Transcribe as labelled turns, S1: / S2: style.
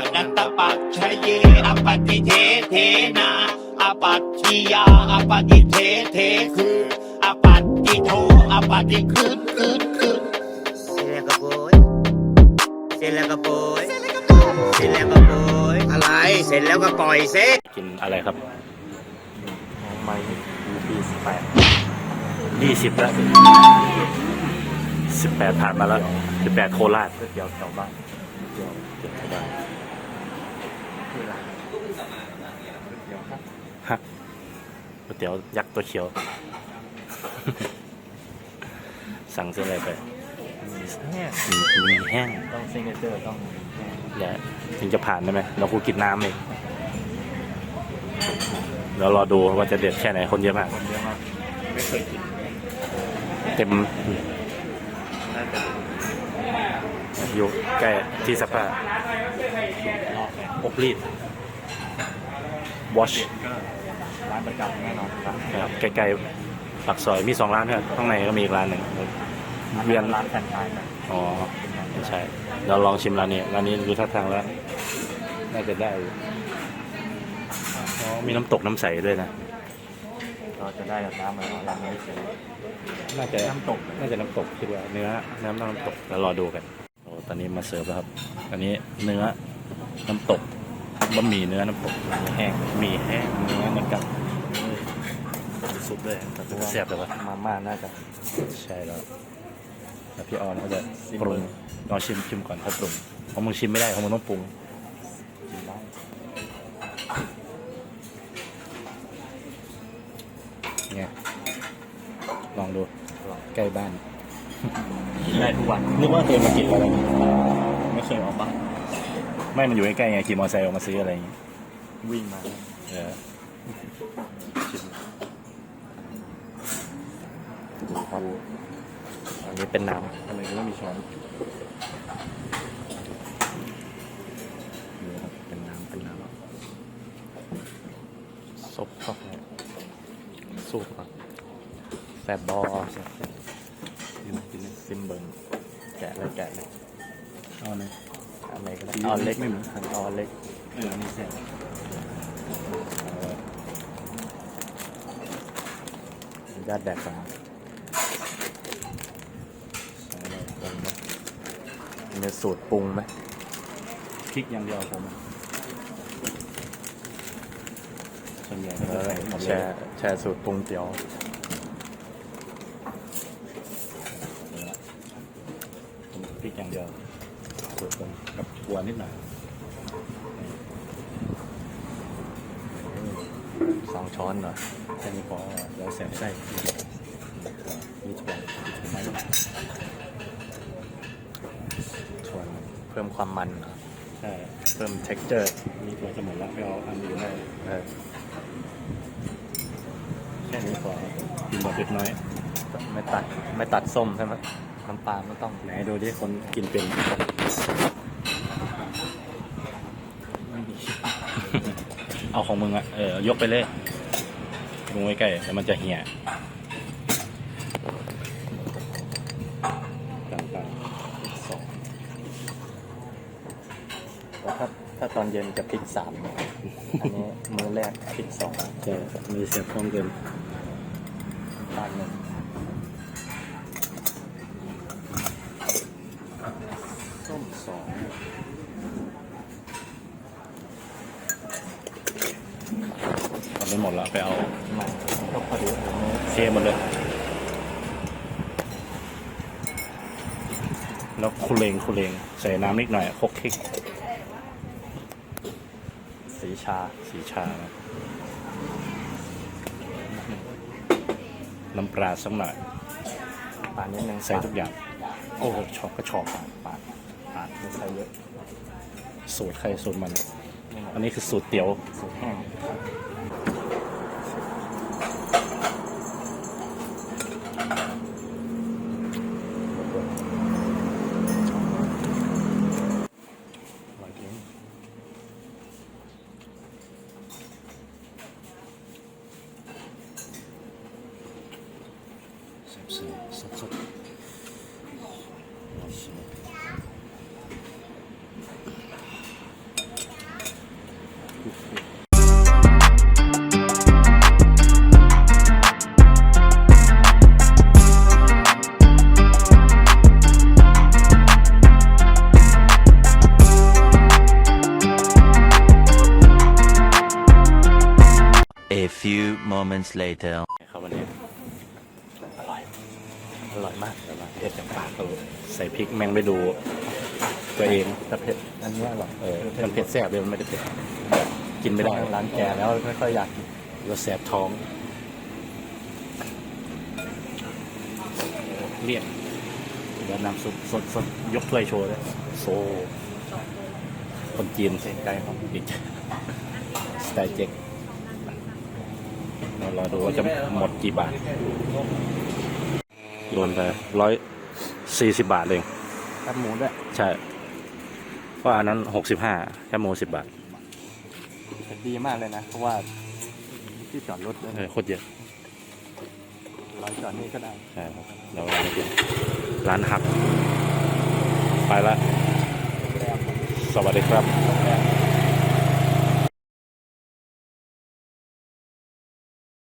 S1: นัตตปัจฉเยอปฏิเทเทนาอปัตติยาอปฏิเทเทคืออปัตติโทอปฏิคืน
S2: เสร็จแล้วก็โปยเสร็จแล้วก็โปยเสร็จแล้วก็โปยอะไรเสร็จแล้วก็ปล่อยเซ็ต
S3: กินอะไรครับ
S4: ของไม้ปี
S3: 20แล้ว18ผ่านมาแล้ว18โคราช
S4: เดี๋ยวแถวบ้าน
S3: เดี๋ยวโคราช
S4: ที่ร้านเดี๋ยวครับ
S3: ฮักก๋วยเตี๋ยวยักษ์ตัวเขียว สั่งเส้นอะไรไป
S4: แห้ง
S3: มีแห้ง
S4: ต้องซิงเกิลต้องแห้ง
S3: อย่าถึงจะผ่านได้ไหมเราคูกินน้ำเองแล้วรอดูว่าจะเด็ดแค่ไหนคนเยอะมาก
S4: คนเยอะมากไม่เคยกิน
S3: เต็ม
S4: น่าจะ
S3: อยู่ใกล้ที่สภา
S4: นอกแห้ง
S3: อบรีด wash
S4: ก็ร้านประจำแน่นอนครับ
S3: ครับใกล้ๆปากซอยมี2 ร้านครับข้างในก็มีอีกร้านหนึ่งเวียน
S4: ร้านแฟรนไชส์นะ
S3: อ๋อไม่ใช่เราลองชิมร้านนี้ดูท่าทางแล้วน่าจะได้อยู่อ๋อมีน้ำตกน้ำใสด้วยนะ
S4: เราจะได้น้ำมาเราไม่ซื้อ
S3: น่าจะ
S4: น้ำตก
S3: น่าจะน้ำตกคิดว่าเนื้อน้ำตกแล้วรอดูกันโอ้ตอนนี้มาเสิร์ฟแล้วครับอันนี้เนื้อน้ำตกบะหมี่เนื้อน้ำตกมีแห้งมีแห้งเนื้อเหมือนกันซุปด้วยแต่จะแซ่บแต่ว่า
S4: มาม่าน่าจะ
S3: ใช่แล้วแล้วพี่ออนเขาจะปรุงลองชิมก่อนเขาปรุงเพราะมึงชิมไม่ได้เพราะมึงต้องปรุง
S4: กินได้
S3: ไงลองดูใกล้บ้าน
S4: กินได้ทุกวัน
S3: นึกว่าเคยมากินอะไร
S4: ไม่เคยออกบ้าน
S3: ไม่มันอยู่ใกล้ๆไงขี่มอเตอร์ไซค์ออกมาซื้ออะไรอย่างงี้
S4: วิ่งมา
S3: เออชิม
S4: ครับอันนี้เป็นน้
S3: ทำไมถึงไม่มีช้อนนี่ครับเป็นน้ำซบเข้าไปสูบครับ
S4: ำแซบบอ
S3: กินเลย
S4: ซิมเบิงแกะเลย
S3: เอาเลย
S4: อันไหนก็ได้
S3: สี
S4: เอาเล็ก
S3: ไม่เหมือนกัน
S4: เอาเล็ก
S3: นี่แซ่บ
S4: ญาติแดกก่อน
S3: ใส่อะไร
S4: ปรุงไหมมีสูตรปรุงไหม
S3: พริกอย่างเดียวผมส่วนใหญ่ก็จะใส่หมดเลย
S4: แชร์สูตรปรุงเตี๋ยว
S3: พริกอย่างเดียวสูตรผมกับถั่วนิดหน่อย
S4: 2 ช้อนเหรอ
S3: แค่นี้พอเดี๋ยวใส่ไส้มีถั่วไหม
S4: ส่วนเพิ่มความมันเหรอ
S3: ใช่
S4: เพิ่ม texture
S3: มีถั่วจะหมดแล้วไปเอาอันอื่นได้
S4: เออ
S3: แค่นี้พอกินแบบเผ็ดน้อย
S4: ไม่ตัดส้มใช่ไหมน้ำปลาไม่ต้อง
S3: ไหนดูดิคนกินเป็น เอาของมึงอะยกไปเลยลงไว้ใกล้แล้วมันจะเหี่ยต่าง
S4: ถ้าตอนเย็นจะพริก 3อันนี้มื้อแรกพริก 2
S3: ๆจะมีเสียบพร้อมกัน
S4: ปลา1ส้ม
S3: ทำไปหมดแล้วไปเอา
S4: 2มันก็พอดี
S3: เทหมดเลย แล้วคุเลงใส่น้ำนิดหน่อยคลุกคลิก
S4: สีชา
S3: สีชานะน้ำปลาสักหน่อย
S4: ปลานิดนึง
S3: ใส่ทุกอย่าง โอ้โหชอบก็ชอบปาด
S4: ไม่ใส่เยอะ
S3: สูตรใครสูตรมัน อันนี้คือสูตรเตี๋ยว
S4: สูตรแห้ง
S3: สด
S5: few moments later.
S3: ครับวันนี้อร่อยมากแต่ว่าเผ็ดจากปากเราใส่พริกแม่งไม่ดูตัวเองแต่เผ็ดอันนี้อร่อยมันเผ็ดแซ่บเลยมันไม่ได้เผ็ดแบบกินไม่ได้ร้านแกแล้วไม่ค่อยอยากกินเราแสบท้องเรียกเดี๋ยวน้ำซุปสดยกถ้วยโชว์เลยโซคนจีนเส้นไก่ของอีกสไตล์เจ๊กรอดูว่าจะหมดกี่บาทโดนไป140 บาทเองแคบหมูด้วยใช่เพราะอันนั้น65แคบหมู10 บาท
S4: ดีมากเลยนะเพราะว่าที่จอดรถ
S3: โคตรเยอะ
S4: ร้อยจอดนี่ก็ได้
S3: ใช่ครับแล้วร้านหักไปละสวัสดีครับ